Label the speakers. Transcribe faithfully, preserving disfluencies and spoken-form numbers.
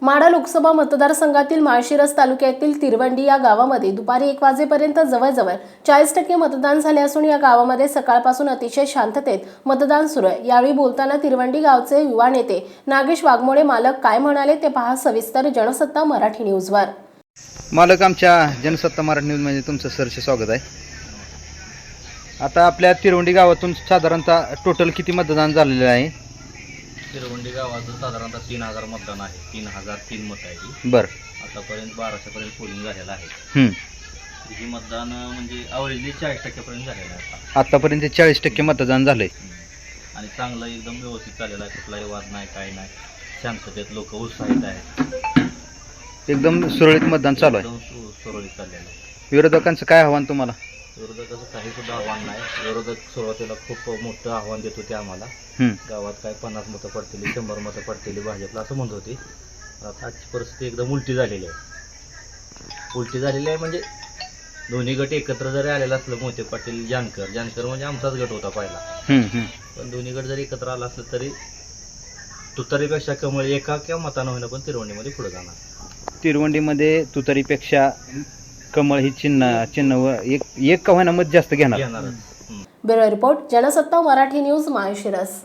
Speaker 1: माढा लोकसभा मतदारसंघातील माळशिरस तालुक्यातील तिरवंडी या गावामध्ये दुपारी एक वाजेपर्यंत जवळजवळ चाळीस टक्के मतदान झाले असून या गावामध्ये सकाळपासून अतिशय शांततेत मतदान सुरू आहे। यावेळी बोलताना तिरवंडी गावचे युवा नेते नागेश वाघमोडे मालक काय म्हणाले ते पहा सविस्तर जनसत्ता मराठी न्यूजवर।
Speaker 2: मालक, आमच्या जनसत्ता मराठी न्यूज मध्ये तुमचं सरचे स्वागत आहे। आता आपल्या तिरवंडी गावातून साधारणतः टोटल किती मतदान झालेले आहे?
Speaker 3: तिरवंडी गावाचं साधारणतः तीन हजार मतदान आहे। तीन हजार तीन मत आहे।
Speaker 2: बर,
Speaker 3: आतापर्यंत बाराशे पर्यंत पोलिंग झालेलं आहे।
Speaker 2: हम्म
Speaker 3: ही मतदान म्हणजे अवरेजली चाळीस टक्क्यापर्यंत झालेलं आहे आता।
Speaker 2: आतापर्यंत चाळीस टक्के मतदान झालंय
Speaker 3: आणि चांगलं एकदम व्यवस्थित चाललेलं आहे। कुठलाही वाद नाही, काही नाही, शांततेत लोक उत्साहित आहेत।
Speaker 2: एकदम सुरळीत मतदान चालू आहे।
Speaker 3: एकदम सु- सुरळीत चाललेलं आहे।
Speaker 2: विरोधकांचं काय आव्हान तुम्हाला?
Speaker 3: विरोधकाचं काही सुद्धा आव्हान नाही। विरोधक सुरुवातीला खूप मोठं आव्हान देत होते आम्हाला,
Speaker 2: हम्म
Speaker 3: गावात काय पन्नास मतं पडतील, शंभर मतं पडतील भाजपला असं म्हणत होते। आता आजची परिस्थिती एकदम उलटी झालेली आहे। उलटी झालेली आहे म्हणजे दोन्ही गट एकत्र जरी आलेला असलं, मोहिते पाटील जानकर जानकर म्हणजे आमचाच गट होता पहिला,
Speaker 2: हम्म हम्म
Speaker 3: पण दोन्ही गट जरी एकत्र आला असलं तरी तुतारीपेक्षा कमळ एका किंवा मतानं होईना पण तिरवंडीमध्ये पुढे जाणार।
Speaker 2: तिरवंडीमध्ये तुतारीपेक्षा कमळ ही चिन्ह चिन्ह व एक एक का होईना मत जास्त घेणार।
Speaker 3: घेणारच।
Speaker 1: Bureau report Jansatta Marathi news Malshiras.